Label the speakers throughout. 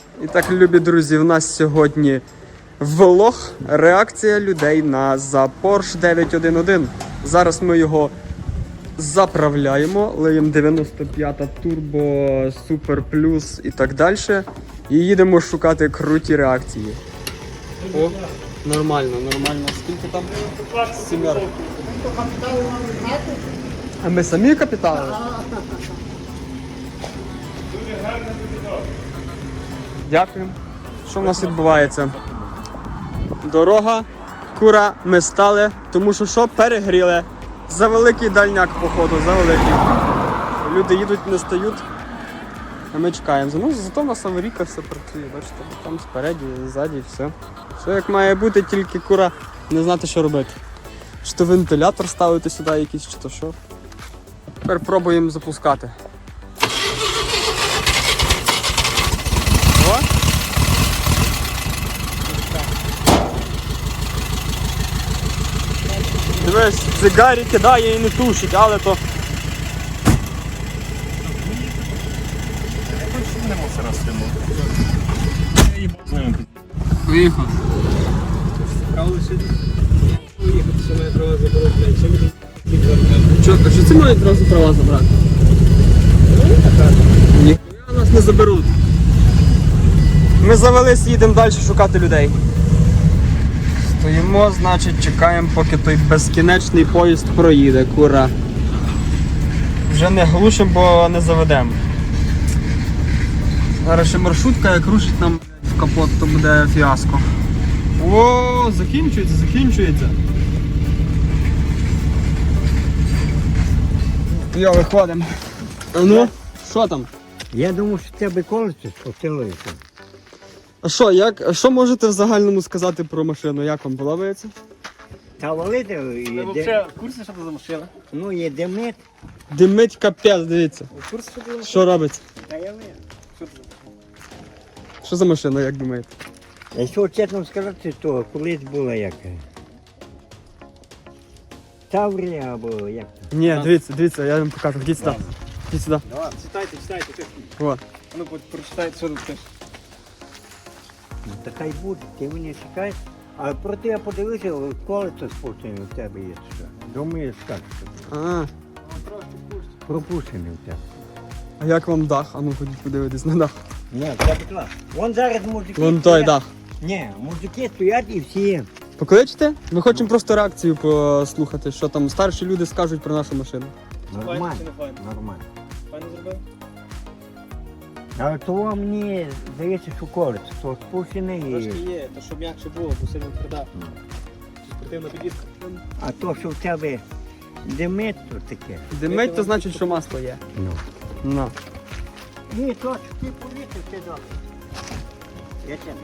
Speaker 1: І так, любі друзі, у нас сьогодні влог, реакція людей на Porsche 911. Зараз ми його заправляємо, лиємо 95-та турбо, Super Plus і так далі. І їдемо шукати круті реакції. О, нормально. Скільки там? 7. А ми самі капітали? Дякую. Що в нас відбувається? Дорога, кура, ми стали, тому що перегріли. За великий дальняк, походу, за великий. Люди їдуть, не стають, а ми чекаємо. Ну, зато в нас аварійка все працює, бачите, там спереді, ззаді, все. Все як має бути, тільки кура не знати, що робити. Чи то вентилятор ставити сюди якийсь, чи то що. Тепер пробуємо запускати. О! Дивись, цигарі кидає і не тушить, але то... Виїхав. Що це мають одразу права забрати? Ніхуя нас не заберуть. Ми завелись, їдемо далі шукати людей. Стоїмо, значить, чекаємо, поки той безкінечний поїзд проїде, кура. Вже не глушимо, бо не заведемо. Зараз ще маршрутка, як рушить нам в капот, то буде фіаско. О, закінчується. Йо, виходимо. А ну, що там?
Speaker 2: Я думав, що тебе колесо спустилося.
Speaker 1: А що можете в загальному сказати про машину? Як вам подобається?
Speaker 2: Та валити
Speaker 3: Ви
Speaker 2: є,
Speaker 3: взагалі в курсі, що це за машина?
Speaker 2: ну є демет.
Speaker 1: Димить капець, дивіться.
Speaker 3: В курсі, що це за машина?
Speaker 1: Що робиться?
Speaker 2: Та я вижу.
Speaker 3: Що це за машина?
Speaker 1: Що за машина, як думаєте?
Speaker 2: Якщо чесно сказати, то колись була як Таврія або як.
Speaker 1: Ні, дивіться, я вам покажу. Ідіть сюди. Ідіть сюди.
Speaker 3: Давай, читайте.
Speaker 1: О.
Speaker 3: Ну, прочитайте, що тут пише.
Speaker 2: Ну, та хай буде, ти мене чекаєш. А проте я подивився, колесо спущене у тебе є. Що? Думаю, як це.
Speaker 1: А,
Speaker 2: Пропущене у тебе.
Speaker 1: а як вам дах? А ну ходіть подивитись на дах.
Speaker 2: Ні, це клас. Вон зараз мужики.
Speaker 1: Вон той
Speaker 2: стоять.
Speaker 1: дах.
Speaker 2: Ні, мужики стоять і всі.
Speaker 1: Покличте? Ми хочемо просто реакцію послухати, що там старші люди скажуть про нашу машину.
Speaker 2: Нормально.
Speaker 3: Файно чи не файно?
Speaker 2: Нормально.
Speaker 3: Файно зробив?
Speaker 2: Але того мені здається, що колесо, то спущене
Speaker 3: Трошки
Speaker 2: і...
Speaker 3: є, то щоб м'якше було, бо сильно тверда. Спортивна підвізка.
Speaker 2: А то, що в тебе димить, то таке.
Speaker 1: Димить, то значить, що масло є.
Speaker 2: Ну.
Speaker 1: Ну.
Speaker 2: Ні, то, що ти повісив, це добре. Я тебе.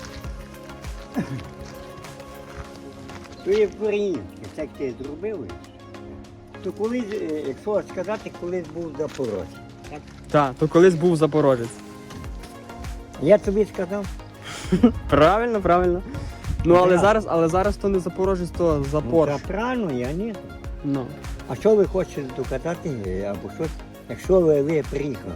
Speaker 2: То є українське, так ти зробили. То колись, якщо сказати, колись був Запорожець.
Speaker 1: Так, то колись був Запорожець.
Speaker 2: Я тобі сказав,
Speaker 1: Правильно. Ну,
Speaker 2: Да.
Speaker 1: але зараз то не Запорожець, то
Speaker 2: ну,
Speaker 1: Запорж.
Speaker 2: та правильно, я ні.
Speaker 1: Ну.
Speaker 2: А що ви хочете доказати або щось, якщо ви приїхали?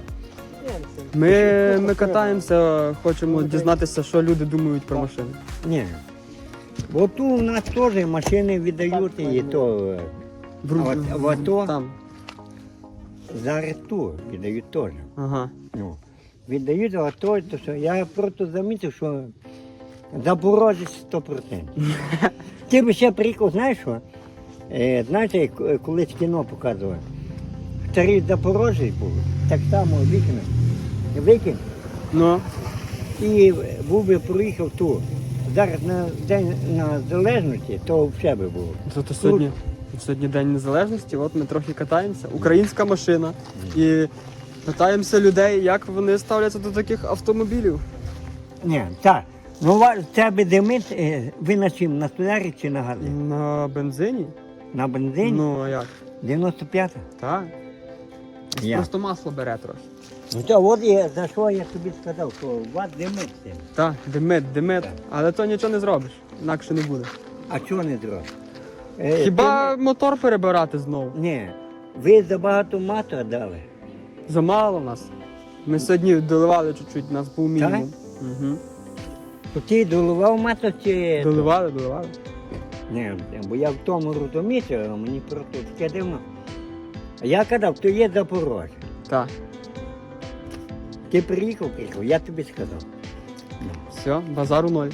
Speaker 1: Ми катаємося, хочемо дізнатися, що люди думають про машини.
Speaker 2: Ні. Бо тут у нас теж машини віддають і то в АТО
Speaker 1: Там.
Speaker 2: зараз тут віддають теж.
Speaker 1: Ага.
Speaker 2: Ну, віддають в АТО, то що я просто замітив, що Запорожець 100%. Ти б ще приїхав, знаєш що? Знаєте, колись кіно показували. Старий Запорожець був, так само викинув.
Speaker 1: Ну.
Speaker 2: І був би проїхав тут. Зараз на День Незалежності, то все би було.
Speaker 1: Зато сьогодні День Незалежності, от ми трохи катаємося. Українська машина. І питаємося людей, як вони ставляться до таких автомобілів.
Speaker 2: Ні, так. Ну, в тебе димить, ви на чим? На солярі чи на газі?
Speaker 1: На бензині?
Speaker 2: На бензині?
Speaker 1: Ну, а як?
Speaker 2: 95-та?
Speaker 1: Так.
Speaker 2: Я.
Speaker 1: Просто масло бере трохи.
Speaker 2: Ну то от я, за що я тобі сказав, що у вас димить.
Speaker 1: Так, димить. Але то нічого не зробиш, інакше не буде.
Speaker 2: А чого не зробиш?
Speaker 1: Хіба мотор перебирати знову?
Speaker 2: Ні, ви забагато мату дали.
Speaker 1: Замало нас. Ми сьогодні доливали чуть-чуть, нас був мінімум. Угу.
Speaker 2: То ти доливав масло чи...
Speaker 1: Доливали.
Speaker 2: Не, бо я в тому розумієте, мені просто таке дивно. А я казав, то є Запорожжя.
Speaker 1: Так.
Speaker 2: Ти приїхав, я тобі сказав.
Speaker 1: Все, базару ноль.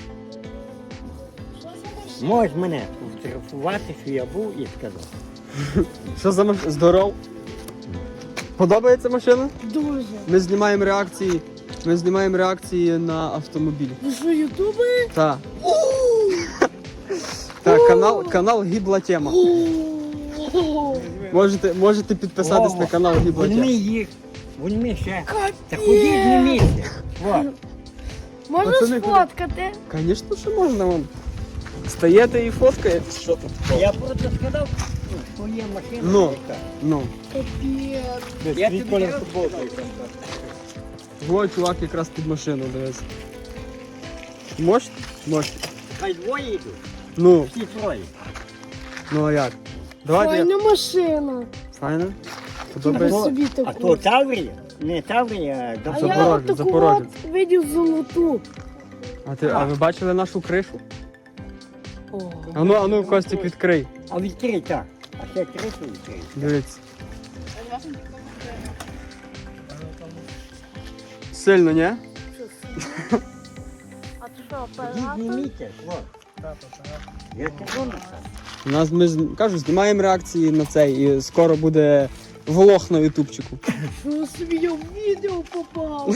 Speaker 2: Можеш мене фотографувати, що я був і сказав.
Speaker 1: Що за машина? Здоров. Подобається машина?
Speaker 4: Дуже.
Speaker 1: Ми знімаємо реакції на автомобіль.
Speaker 4: Ви що, ютубери?
Speaker 1: Так. Так, канал Гібла Тема. Можете підписатись на канал Гібла
Speaker 2: Візьми
Speaker 1: Тема.
Speaker 2: їх, візьми ще. Та ходіть не місце. От.
Speaker 4: Можна
Speaker 1: Пацани,
Speaker 4: сфоткати?
Speaker 1: Звісно, що можна вам. Стаєте і фоткаєте. Що тут?
Speaker 2: Я просто сказав, що є машина.
Speaker 1: Ну.
Speaker 2: яка.
Speaker 1: Ну.
Speaker 4: Капець.
Speaker 2: Я тобі кажу,
Speaker 1: Во, чувак якраз під машину, дивись. Можете? Можете.
Speaker 2: хай двоє йдуть,
Speaker 1: Ну,
Speaker 2: всі троє.
Speaker 1: ну а як? Давайте.
Speaker 4: Файна машина.
Speaker 1: Файно?
Speaker 4: Я
Speaker 1: Подобається?
Speaker 4: собі
Speaker 2: А
Speaker 4: таку.
Speaker 2: то Таврія? Не Таврія, а
Speaker 4: А
Speaker 2: Запорожжя.
Speaker 4: я
Speaker 1: Запорожець,
Speaker 4: таку
Speaker 1: Запорожець.
Speaker 4: от видів золоту.
Speaker 1: А ви бачили нашу кришу?
Speaker 4: О.
Speaker 1: Ану, Костік, відкрий.
Speaker 2: А відкрий так. А ще кришу відкрий.
Speaker 1: Дивіться. Сильно, ні?
Speaker 4: А то що,
Speaker 2: Ідіть
Speaker 4: оператор?
Speaker 2: зніміться, хлоп. Я кажу на це.
Speaker 1: У нас кажу, знімаємо реакції на цей і скоро буде влог на ютубчику.
Speaker 4: Що собі я в відео попав?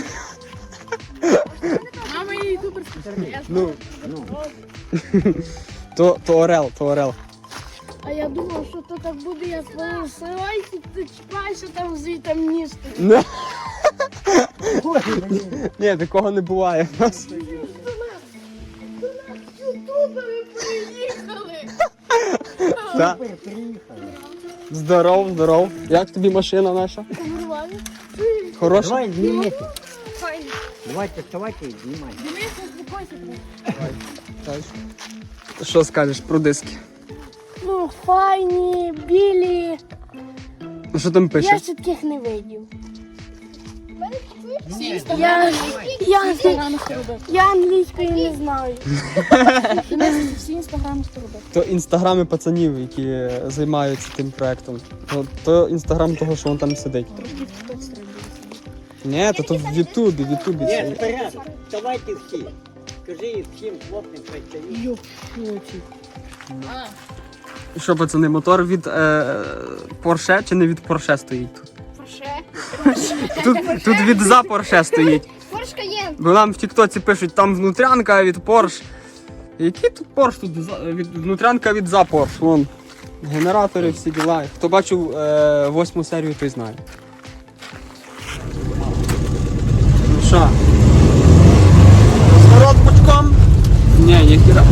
Speaker 4: Мама я ютуберська.
Speaker 1: Ну,
Speaker 2: Ну,
Speaker 1: то Орел.
Speaker 4: А я думав, що то так буде, я свою силайку, ти чіпаєшся там звідти ніжти.
Speaker 1: Не.
Speaker 2: ой, блін.
Speaker 1: Ні, такого не буває в нас.
Speaker 4: Ютубери приїхали.
Speaker 1: Та.
Speaker 2: Супер, приїхали.
Speaker 1: Здоров. Як тобі машина наша?
Speaker 4: Нормально?
Speaker 1: Хороша?
Speaker 2: Давай зніміться.
Speaker 4: Файно.
Speaker 2: Давайте вставайте і знімайте.
Speaker 4: Дивися, успокойся.
Speaker 1: Що скажеш про диски?
Speaker 4: Ну, файні, білі.
Speaker 1: Ну що там пише?
Speaker 4: Я ще таких не видів. Я англійської не знаю. Всі інстаграми робив.
Speaker 1: То інстаграми пацанів, які займаються тим проектом. То інстаграм того, що він там сидить. Ні, то в Ютубі.
Speaker 2: Ні, вперед. Вставайте всі. Скажи всім хлопцям, хай стають.
Speaker 1: Що, пацани, мотор від Порше чи не від Порше стоїть тут? Тут від за Порше стоїть.
Speaker 4: Порш Каєн.
Speaker 1: Бо нам в Тіктоці пишуть, там внутрянка від Порш. Який тут Порш? Тут внутрянка від за Порш. Вон. Генератори, всі діла. Хто бачив 8 серію, той знає. Ну що? Зворот бочком? Ні, ніхіра.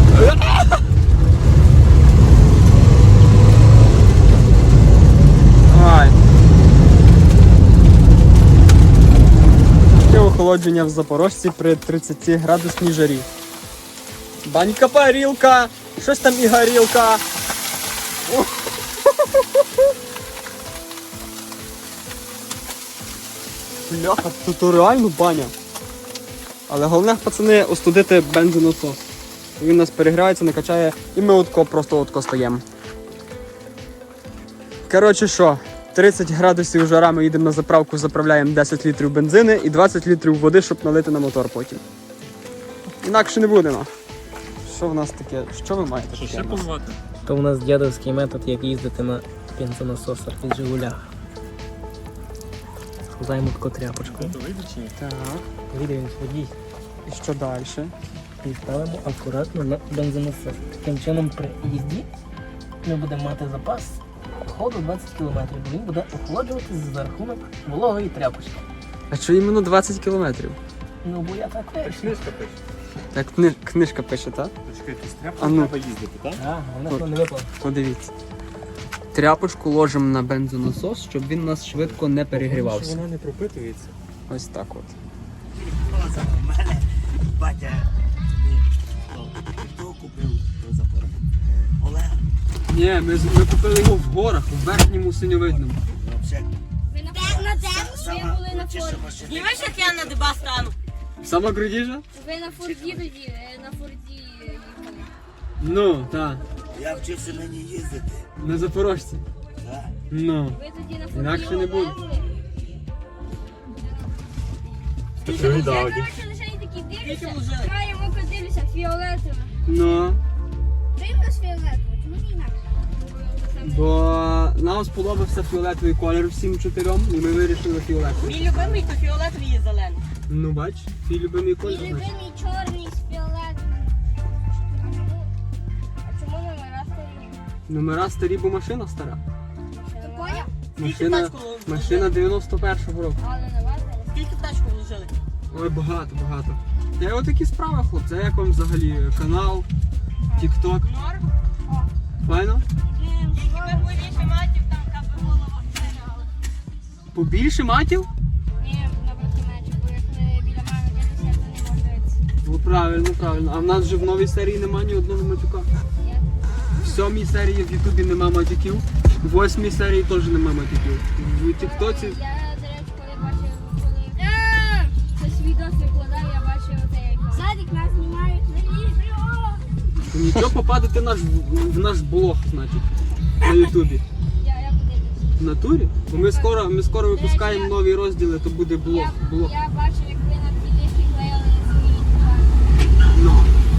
Speaker 1: Ай. Таке охолодження в Запорожці при 30 градусній жарі. Банька парілка, щось там і горілка. Бляха, тут реально баня. Але головне, пацани, остудити бензонасос. Він у нас перегрівається, накачає, і ми просто стаємо. Коротше що, 30 градусів жара, ми їдемо на заправку, заправляємо 10 літрів бензини і 20 літрів води, щоб налити на мотор потім. Інакше не будемо. Що в нас таке? Що ви маєте таке? в нас?
Speaker 3: То у нас дядовський метод, як їздити на бензонасосах від Жигулях. Складаємо таку тряпочку.
Speaker 1: Так.
Speaker 3: Вийде він водій.
Speaker 1: І що далі?
Speaker 3: І ставимо акуратно на бензонасос. Таким чином при їзді ми будемо мати запас ходу 20 км, бо він буде охолоджуватися за рахунок вологої тряпочки.
Speaker 1: А що іменно 20 кілометрів?
Speaker 3: Ну бо я так вирішив.
Speaker 1: Як книжка пише, так?
Speaker 5: Чекайте, з
Speaker 1: А
Speaker 5: тряпкою
Speaker 1: ну.
Speaker 5: треба їздити, так?
Speaker 3: Так, вона ж не випала.
Speaker 1: Подивіться. Тряпочку ложимо на бензонасос, щоб він у нас швидко не перегрівався.
Speaker 5: Вона не пропитується.
Speaker 1: Ось так от.
Speaker 2: У мене батя хто купив Запорожжя? Олег.
Speaker 1: Ні, ми купили його в горах, у верхньому синьовидному.
Speaker 2: Взагалі.
Speaker 6: Ви на де? Ви були на форі. Знімеш, як я на деба стану?
Speaker 1: Сама крутіша?
Speaker 4: Ви на Форді тоді, на Форді їхали.
Speaker 1: Ну, так.
Speaker 5: Я вчився на ній їздити.
Speaker 1: На Запорожці.
Speaker 5: Так.
Speaker 1: Ну.
Speaker 4: Ви тоді на Форді
Speaker 1: Інакше не буде.
Speaker 4: Я, коротше, лише і такі дивлюся, краю ока дивлюся, фіолетове.
Speaker 1: Ну.
Speaker 4: Дивно з фіолетове, чому не інакше?
Speaker 1: Бо нам сподобався фіолетовий колір всім чотирьом, і ми вирішили фіолетовий.
Speaker 6: Мій любимий то фіолетовий і зелений.
Speaker 1: Ну бач, твій любимий колір.
Speaker 4: Мій
Speaker 1: значить.
Speaker 4: любимий чорний з фіолетовим. А чому номера старі?
Speaker 1: Номера старі, бо машина стара.
Speaker 4: Ти поняв?
Speaker 1: Машина, машина 91-го року.
Speaker 4: Але не варто.
Speaker 6: Скільки в тачку вложили?
Speaker 1: Ой, багато, багато. Та й отакі справи, хлопці. А як вам взагалі канал, тік-ток?
Speaker 6: Норм.
Speaker 1: Файно?
Speaker 6: Тільки би більше матів, там аби голова стріляла.
Speaker 1: Побільше матів?
Speaker 4: Ні, напроти мечі, бо як не біля мене дивишся, то не може дивитися.
Speaker 1: Ну правильно, правильно. А в нас вже в новій серії немає ні одного матюка.
Speaker 4: Ні?
Speaker 1: В 7-й серії в Ютубі нема матюків, в 8-й серії теж нема матюків. В тіктоці
Speaker 4: Я, до речі, коли бачив, коли хтось відос викладав, я бачив оцей Садик нас знімають на відео.
Speaker 1: нічого попадете в наш блог, значить, на Ютубі.
Speaker 4: Я подивлюся.
Speaker 1: В натурі? Бо ми скоро випускаємо нові розділи, то буде блог.
Speaker 4: Я бачив, як ви на плівці клеїли свої товари.
Speaker 1: Ну.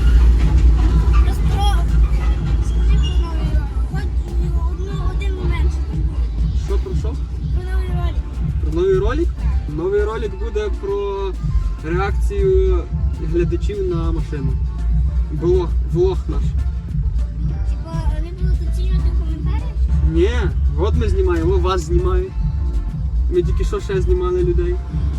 Speaker 4: Скажи про новий ролик. Хоч один момент.
Speaker 1: Що про що?
Speaker 4: Про новий ролик.
Speaker 1: Про новий ролик? Новий ролик буде про реакцію глядачів на машину. Влог наш.
Speaker 4: Типа, вони будуть оцінювати в коментарях?
Speaker 1: Ні, от ми знімаємо, вас знімають. Ми тільки що ще знімали людей.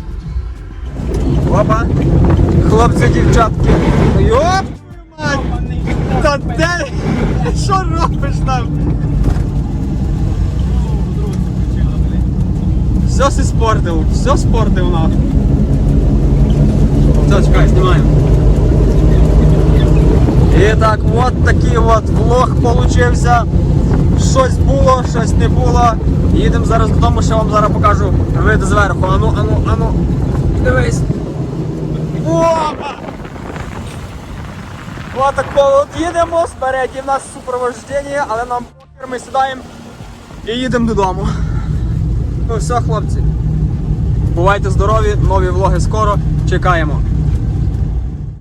Speaker 1: Опа! Хлопці, дівчатки! Йоп! Та де? Що робиш там? Все спортив, все спортив нам. Все, чекай, знімаємо. І так, от такий от влог получився. Щось було, щось не було. Їдемо зараз додому, ще вам зараз покажу вид зверху. Ану. Дивись. Опа! Отако от їдемо, спереді в нас супроводження, але нам похер, ми сідаємо і їдемо додому. Ну все, хлопці. Бувайте здорові, нові влоги скоро. Чекаємо.